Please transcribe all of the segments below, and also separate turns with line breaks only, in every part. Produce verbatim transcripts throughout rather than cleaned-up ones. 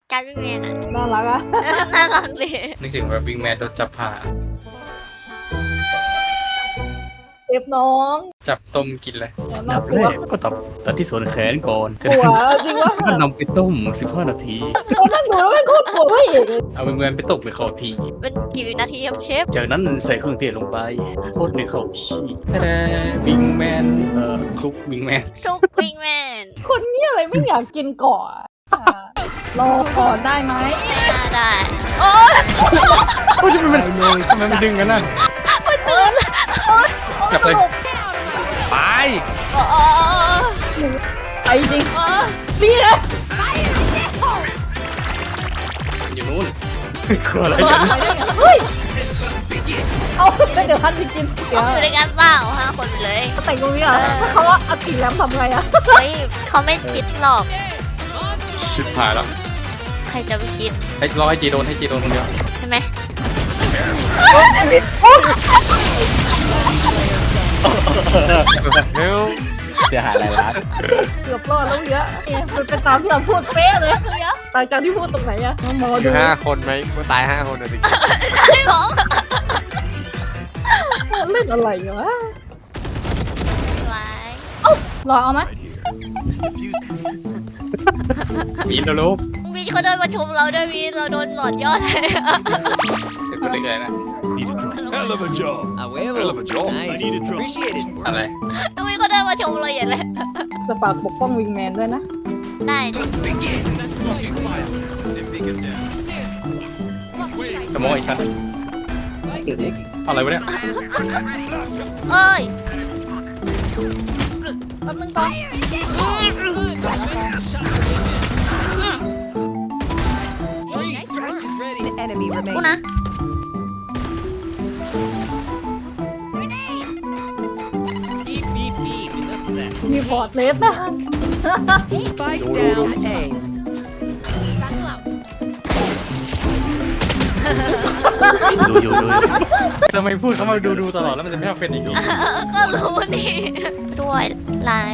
การวิ่งแมนอ่ะ
น่ารักอะ
น่ารักเลย
นึกถึงแบบวิ่งแมนโดนจับผ่า
เจ็บน้อง
จับต้มกินเลย
น่า
ดับ
ก
แร
ลัว
กก็ตัดตัดที่ส่วนแขนก่อน
กลัวจริงวะ
ก็นำไปต้มสิบห้านาที
เรานั่งดูแล้วไม่โคตรกลัวพระเอกเลย
เอาเงินไปตกไปเข้าที
เป็นกี่วินาทีครับเชฟ
จากนั้นใส่เครื่องเทศลงไปโคตรในเข้าที่แต่วิงแมนเอ่อซุปวิงแมน
ซุปวิ่งแมน
คนนี้อะไรไม่อยากกินก่อนอ่ะรอก่อนได้ไหม
ไม่น่าได้โอ๊ย
โอ้ยทำไมมันทำไมมันดึงกันน่ะ
มันตื่น
กลับเลยไป
โอ้โอ้
ไปจริง
โอ้
นี่ไง
อยู่นู้นกลัวอะไรกัน
เฮ้ยเอาเดี๋ยวท่านไปกินเดี๋ยว
อยู่ด้วยกันเปล่าห้าคนไปเลย
แต่งตรงนี้เหรอถ้าเขาว่าเอากินแล้วทำไงอะ
เฮ้ยเขาไม่คิดหรอก
ชิบหายแล้ว
ใครจะไปคิด
ให้รอให้จีโดนให้จีโดนคนเดียว
ใช่ไหม
เร็ว
เสียหายหลายล้าน
เกือบรอดแล้วเยอะเนี่ยมันเป็นตามที่เราพูดเป๊ะเลยเยอะต่างจากที่พูดตรงไหนอะหมอ
อ
ดู
ยู่ห้าคนไหมกูตายห้าคนเลยดิ
ใช่หรอ
เล่นอะไรวะ
ไว้
รอเอาไหม
มีนแล้ว
วีเขาเดินมาชมเราด้วยวีเราโดนหลอดยอดเลย
ถึงคนได้เลยนะ
Hell of a job. Hell of a job. I need a drop. Appreciate it.
อะไร
วีเขาเดินมาชมเราอย่างเลย
จะฝากปกป้องวิงแมนด้วยนะ
ได้
กระโมยอีกชั้นอะไรวะเนี่ย
เอ้ย
แป๊บนึงก่อน
Enemy
กู
remaining.
นะ
Beep, beep, beep. Enough of that.
มีพอร์ตเลสนะ
Spike down A.
ดูอยู่ดู
ทำไมพูดเขามาดูดูตลอดแล้วมันจะไม่เอาเป็นอีกเหรอ
ก็รู้นี่ด้วยลาย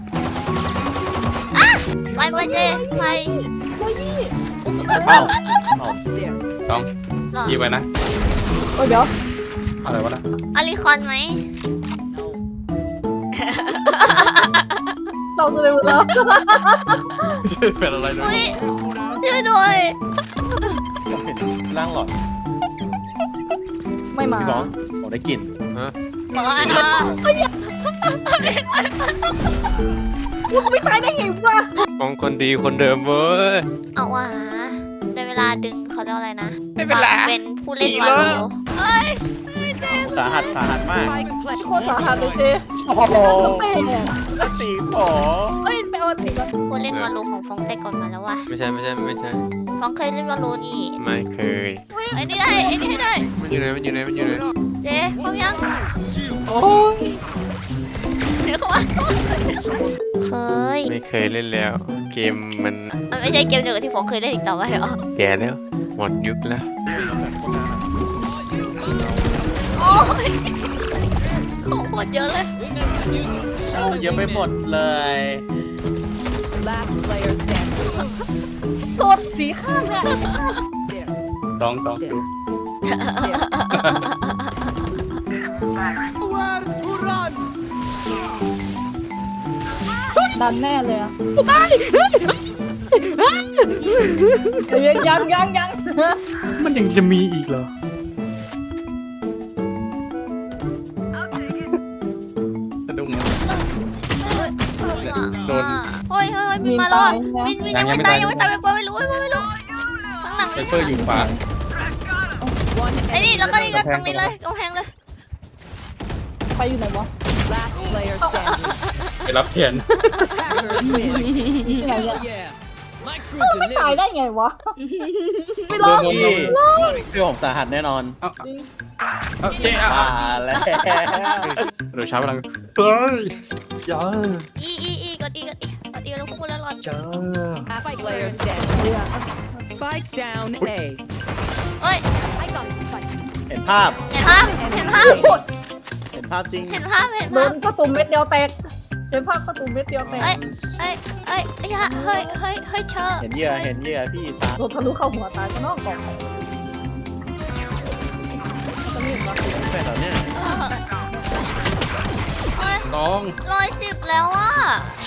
อ่ะไปไปเจไป
เป้า
สอง
หรอ
ยีไว้นะ
โอ้ยเดี๋ยว
อะไรวะน่ะ
อลิคอนไหม
เราจะเลยหมดแล้ว
เป็นอะไรด้วย
เฮ้ยช่วยด้วย
ร่างหลอด
ไม่มา
พี่น้องผมได้กลิ่น
บอกว่า
กูไม่ตายได้ไงวะ
มองคนดีคนเดิมเว้ย
เอาว่ะในเวลาดึงเขาเรียกอะไรนะ
ไม่เป็นไร
เป็นผู้เล่นวาโลเฮ้ย
สาหัสสาหัสมาก
Spike plant.
โคตรสาหัสเลยเจ
โอ้โห
เต้เนี่ย
ตีขอ
เอ้ยไปเอาติก่อน
ผู้เล่นวาโลของฟองแต่ก่อนมาแล้วว่ะ
ไม่ใช่ไม่ใช่ไม่ใช่
ฟองเคยเล่นวาโลนี่
ไม่เคย
ไอ้นี่ได้ไอ้นี่ให้ได้
มันอยู่ไหนมันอยู่ไหนมันอยู่ไหน
เจ๊พร้อมยัง
โอ้ย
เดี๋ยวเขาว่าเคย
ไม่เคยเล่นแล้ว เกมมัน
มันไม่ใช่เกมเดียวกับที่ฟองเคยเล่นอีกต่อไปเหรอ
แก่แล้ว หมดยุคแล้ว
โอ้ยของหมดเยอะเลย
เยอะไปหมดเลย
Last player standing.
โสดสีข้างเนี่ย
There.
สองสองดู
ดันแน่เลยอะตายยังยังยังยัง
มันยังจะมีอีกเหรอสะดุ้งนะ โดน
โอ้ยเฮ้ยวินมาแล้ววินวินยังไม่ตายยังไม่ตายไปเปิดไม่รู้ไม่รู้ไม่รู้ข้างหลัง
ไซเฟอร์อยู่ขวา
One
ไอ้นี่แล้วก็นี่ก็ตรงนี้เลยกำแพงเลย
ไปอยู่ไหนวะ
last player standing.
ไปรับแทน
Attackers win.
ที่ไหนเนี่ย
Yeah. My crew
ไม่ตาย
delivers.
ได้ไงวะ ไม่ร
โด
อน ด
พี่พี่ผมสาหัสแน่นอน
เอาเอาเจ๊อ่ะ
มาแล้ว
เดี๋ยวช้าพลังเฮ้ยจ้า
อีอีอีกดอีกดอีกดอีแล้วพูดแล้วรอด
จ้า
Last player standing. Spike down A.
เฮ้ย
เห็นภาพ
เห็นภาพเห็นภาพ
เห็นภาพจริง
เห็นภาพเห็น
โด
ภาพ
นกระตุ่มเม็ดเดียวแตกเจ๊ภาพประตูเม็ดเดียวแตก
เอ้ยเอ้ยเอ้ยเอ้ยเฮ้ยเฮ้ยเฮ้ยเชอ
เห็นเหยื่อเห็นเหยื่อพี่ตา
โดนทะลุเข้าหัวตายก็นอกกล่องจะมีอีกปะ
แม่เหรอเนี่ย
เอ้ย
น้อง
ร้อยสิบแล้วอ่ะ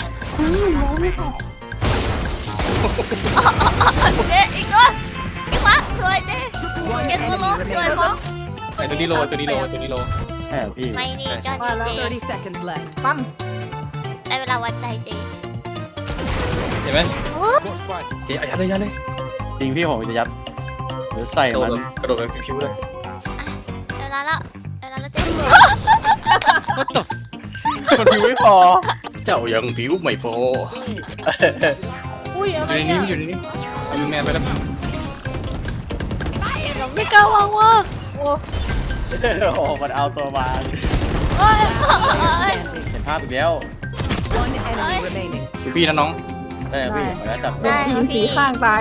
เจ๊อีกตัวอีกวะสวยเจ๊เก็บตัวลงสวยพอ
ไอตัวนี้โลตัวนี้โลตัวนี้โล
แม่พี่
ไม่นี่กันเจ๊
thirty seconds left.
ปั้น
ได้เวลาวัดใจเจ๊
เห็นไหม
What's fight?
เจ๊เอายัดเลยยัดเลย
จริงพี่ผมจะยัดหรือใส่
กระโด
มั
ด
น
กระโดดแบบพิ้วๆเลย
เวลาละเวลาละเจ๊
มันพิวไม่พอ
เจ้ายังผิวไม่พอ
อุ้ย
อ
อะไร
ยู่ใน
เนี่
นี้
ย
อยู่ในนี้เอาแมนไปแล้ว
ไม่กล้าวางว่า
โอ้
โอ้มันเอาตัวมา
เอ้ย
เห็นภาพอีกแล้ว
One enemy remaining.
ดูพี่นะน้อง
ได้ไหมพี่ขออนุญาตจับ
โดนยิงสีข้างตาย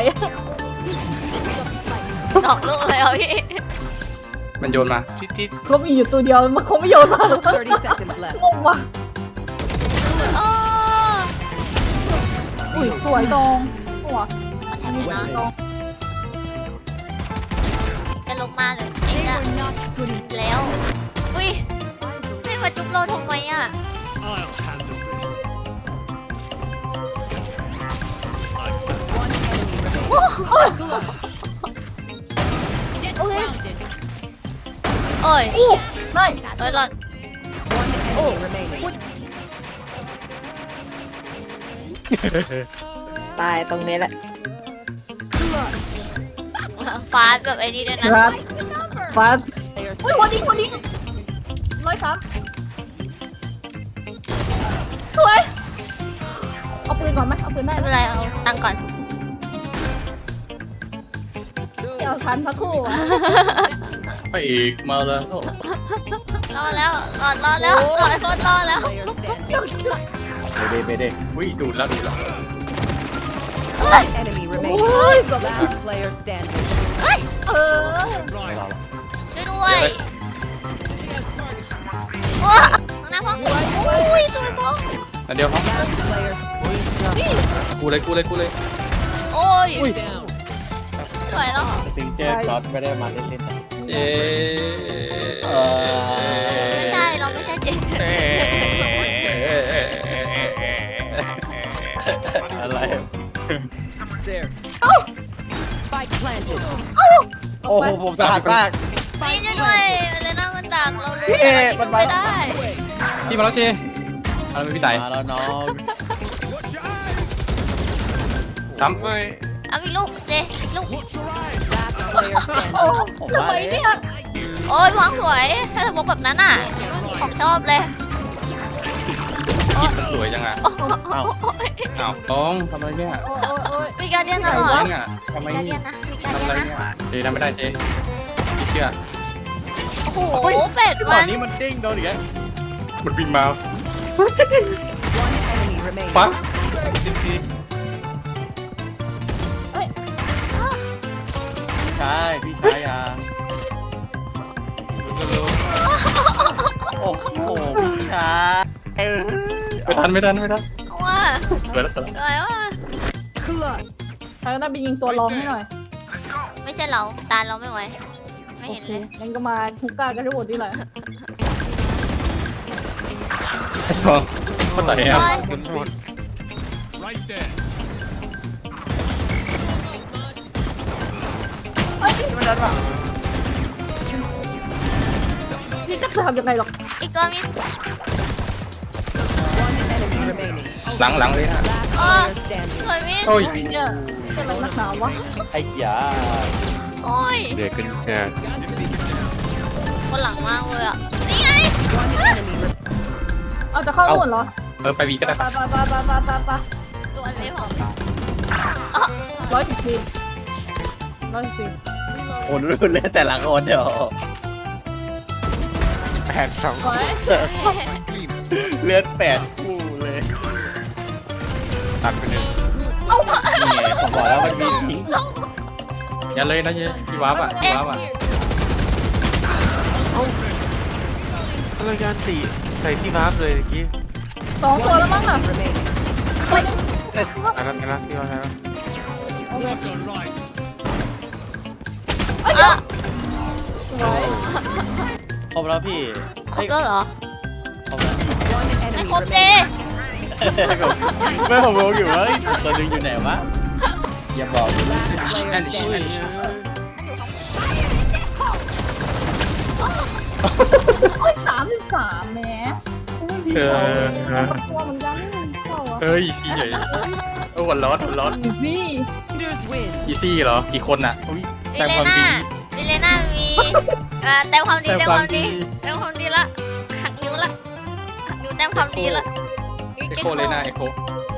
ดอกลูกเลยอ่ะพี่
มันโยนมา
ทิศทิศ
เขามีอยู่ตัวเดียวมันคงไม่โยนมาหรอก
thirty seconds left.
งงว่ะ
อ๋อ
อุ้ยสวยตรงหัว
ขอแถมหน่อยนะจะลงมาเลยเองอะแล้ว อุ้ยไม่มาจุ๊บเราทำไมอ่ะ
I'll handle this.
One enemy remaining.
โอ้ย
โอ้ย
อู้ไม่
เอ้ยหลอด
One enemy remaining.
ตายตรงนี้แหละ
ฟาดแบบไอ้นี่ด้วยนะ
ครับฟาด
Player
อุ้ยวันนี้วันนี้ร้อยสามสวยเอาปืนก่อนไหมเอาปืนได้
ไม่
ไหม
เป็นไรเอาตังค์ก่อน
เอาทันพักคู่อ่ะ
พระเอกมาแล้ว
รอแล้วรอรอแล้วรอไอ้โฟนรอแล้ว
Player standing.
เบเดเบเด
อุ้ยดูดแล้วดูดแล้ว
One enemy
โอ้
remaining.
ยเกือบ
Last player standing.
เออ
ไม่รอแล้ว
ช่วยด้วยว้าข้างหน้าพ่ออุ้ยสวยพ่อ
อันเดียวครับ
Last player.
กูเลยกูเลยกูเลย
โอ้ย
Down.
สวยแล้ว
สติงเจอร์ก๊อตไม่ได้มาเล่นๆนะ
เจ๊
ไม่ใช่เราไม่ใช่เจ๊
อะไร
There.
Spike planted.
โอ้โหผมสะอาดมาก
ไม่ช่วยด้วยเลน่ามันดักเรารู้
พี่
แต่
มั
เรา
น
ไม่
มา
ได้
พี่มาแล้วเจ๊อะไรไม่พี่ไต่
มาแล้วน้อง
Watch your eyes.
ซ้ำ
ไม่
เอาอีกลูกเจ๊อีกลูก
Watch your eyes.
Last player standing.
โอ้
ผม
ทำ
มา
ไม
แล้
เนี่
วย
โอ้ยวางสวยถ้าสมมติแบบนั้นอ่ะของชอบเลย
สวยจังอ่ะ
โอ้โห
อ้าวต้องทำอะไรเนี่ย
โอ้ยโอ้ยโอ้ย
มีการเดียนเหรอ
ทำอะไรเนี่ยทำไม
มีการ
เนี่
เดีย
ย
นนะมีการ
ทำ
เดี
อะ
ย
ไร
นนะ
เนี่ยเจ๊ทำไม่ได้เจ๊พี่เชื่อ
โอ้โหเป็ด
ตอ
มัน น
นี้มันเด้งโดนอีกแล้ว
มันบินมา
One enemy remaining.
ปั๊บ
พี่ชายพี่ชายอ่ะโอ้โหพี่ชายเออ
ไม่ทันไม่ทันไม่ทัน
ว่า
สวยแล้วสวยแล้ว
อะไรวะ
ทางนั้นไปยิงตัวรองให้หน่อย
ไม่ใช่เราตาเราไม่ไหวไม่เห็นเลย
งั้นก็มาฮุกก้ากันทั้งหมดนี่แหละ
คนไหนอ่ะ
Right there.
พี่จะทำยังไงหรอก
อีกตัวมี
One enemy remaining.
หลังหลังเลยฮะ
เออ
Player standing.
สวยมี
โอ้ย
เนี่ยเป็นอะไรนักหนาวะ
ไอ้ยา
โอ้ย
เดือดกันจัด
คนหลังมากเลยอ่ะนี่ไง
One enemy remaining.
เอาจะเข้านู่นเหรอ
เออไปวีก็ได้
ไปไปไปไปไปไปไป
ตัวนี้ผม
ร้อยสิบสี่ร้อยสิบสี่
โอนรุ่นเล่นแต่ละคนเดี๋ยว
แปดสอง
ร้อย
เลือดแปดคู่เลย
ตัดไปหนึ่ง
นี่ไงผมบอกแล้วมันมีทิ้ง
อย่าเลยนะเจ๊พี่ว้าบอ่ะพี่ว้าบอ่ะ
พลังงานตีใส่ที่วาร์ปเลยเมื่อกี้
สองตัวแล้วมั้งน่ะ
remaining.
อันนั้นอันนั้นที่ว่าใช่ไหม
เอ่ะ
สวย
ครบแล้วพี่
ครบแล้วเหรอ
ครบแล้ว
One
ไม่
enemy
ครบเจ
remaining.
ไม่ผมรู้อยู่ว่าตัวหนึงอยู่ไหนวะอย่าบอก
Last player standing.
โอ้ยสามสิบสามแหมพี่
เอ
เขา
อ
ตัวเหมือนกันนี่เขาอะ
เฮ้ยอีซี่ใหญ่โอ้วันร้อนวันร้อน
อีซี่
Leaders win.
อีซี่เหรอกี่คนอ่ะอุ๊ย
วิ
แต่
เล
ความ
น่า
ดี
วิเลน่ามีเอ่อแต้มความดี
แต้
แต้ม
มความ ม
คาวดี
ดี
แต้มความดีละหักนิ้วละหักนิ้วแต้มความดีละ
เอ็กโคเลยนะเอ็กโค